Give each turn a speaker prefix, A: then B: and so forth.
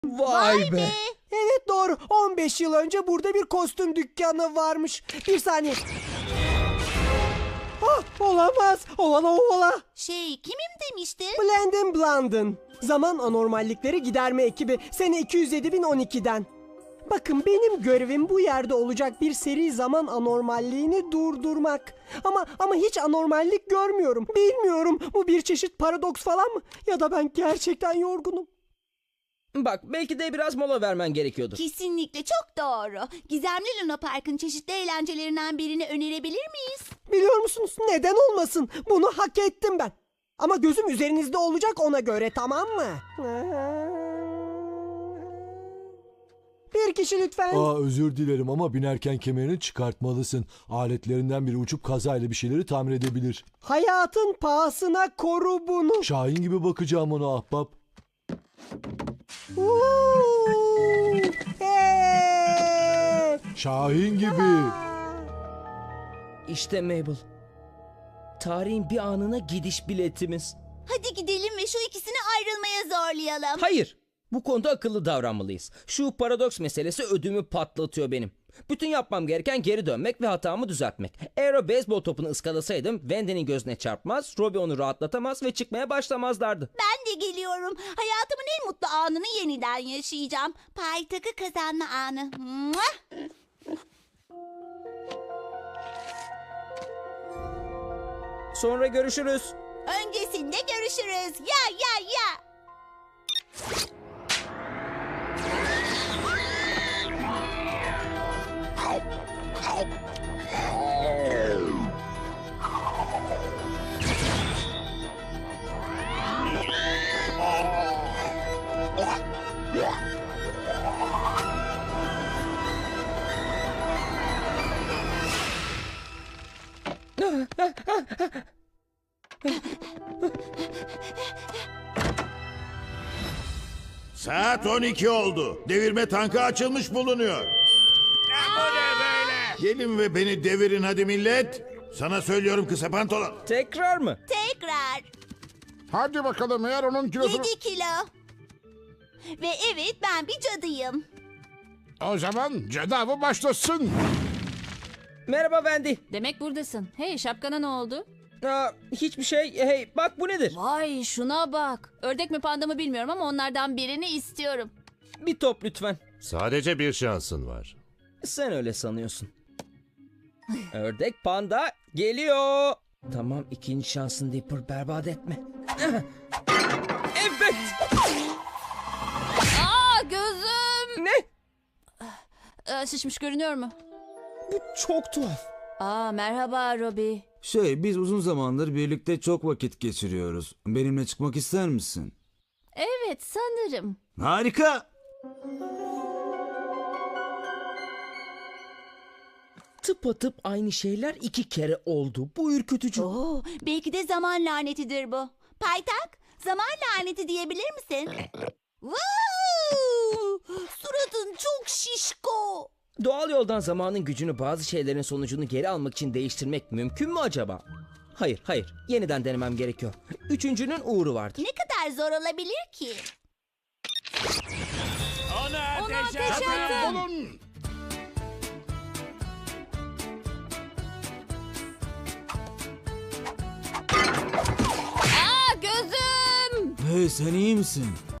A: Vay be.
B: Evet doğru. 15 yıl önce burada bir kostüm dükkanı varmış. Bir saniye. Ah, olamaz. Ovala.
C: Kimim demiştin?
B: Blendin Blandin. Zaman anormallikleri giderme ekibi. Sene 207.012'den. Bakın benim görevim bu yerde olacak bir seri zaman anormalliğini durdurmak. Ama hiç anormallik görmüyorum. Bilmiyorum, bu bir çeşit paradoks falan mı? Ya da ben gerçekten yorgunum.
A: Bak belki de biraz mola vermen gerekiyordu.
C: Kesinlikle çok doğru. Gizemli Luna Park'ın çeşitli eğlencelerinden birini önerebilir miyiz?
B: Biliyor musunuz? Neden olmasın? Bunu hak ettim ben. Ama gözüm üzerinizde olacak ona göre, tamam mı? Bir kişi lütfen.
D: Özür dilerim ama binerken kemerini çıkartmalısın. Aletlerinden biri uçup kazayla bir şeyleri tamir edebilir.
B: Hayatın pahasına koru bunu.
D: Şahin gibi bakacağım ona ahbap.
B: Hey!
D: Şahin gibi.
A: İşte Mabel. Tarihin bir anına gidiş biletimiz.
C: Hadi gidelim ve şu ikisini ayrılmaya zorlayalım.
A: Hayır. Bu konuda akıllı davranmalıyız. Şu paradoks meselesi ödümü patlatıyor benim. Bütün yapmam gereken geri dönmek ve hatamı düzeltmek. Eğer o beyzbol topunu ıskalasaydım Wendy'nin gözüne çarpmaz, Robbie onu rahatlatamaz ve çıkmaya başlamazlardı.
C: Ben de geliyorum. Hayatımın en mutlu anını yeniden yaşayacağım. Pay takı kazanma anı. Mua!
A: Sonra görüşürüz.
C: Öncesinde görüşürüz. Ya.
E: Saat 12 oldu. Devirme tankı açılmış bulunuyor. Gelin ve beni devirin hadi millet. Sana söylüyorum kısa pantolon.
A: Tekrar mı?
C: Tekrar.
F: Hadi bakalım eğer onun kilosu...
C: 7 kilo. Ve evet, ben bir cadıyım.
F: O zaman cadı avı başlasın.
A: Merhaba Wendy.
G: Demek buradasın. Hey, şapkana ne oldu?
A: Hiçbir şey. Hey bak bu nedir?
G: Vay, şuna bak. Ördek mi panda mı bilmiyorum ama onlardan birini istiyorum.
A: Bir top lütfen.
H: Sadece bir şansın var.
A: Sen öyle sanıyorsun. Ördek panda geliyor. Tamam, ikinci şansın Dipper, berbat etme. Evet.
G: Aa, gözüm.
A: Ne?
G: Şişmiş görünüyor mu?
A: Bu çok tuhaf.
G: Merhaba Robbie.
I: Biz uzun zamandır birlikte çok vakit geçiriyoruz. Benimle çıkmak ister misin?
G: Evet, sanırım.
I: Harika.
A: Tıpatıp aynı şeyler 2 kere oldu. Bu ürkütücü.
C: Belki de zaman lanetidir bu. Paytak, zaman laneti diyebilir misin? Suratın çok şişko.
A: Doğal yoldan zamanın gücünü, bazı şeylerin sonucunu geri almak için değiştirmek mümkün mü acaba? Hayır. Yeniden denemem gerekiyor. Üçüncünün uğru vardır.
C: Ne kadar zor olabilir ki?
E: Ona
G: ateşe atın.
F: Bulun.
G: Gözüm.
I: Hey, sen iyi misin?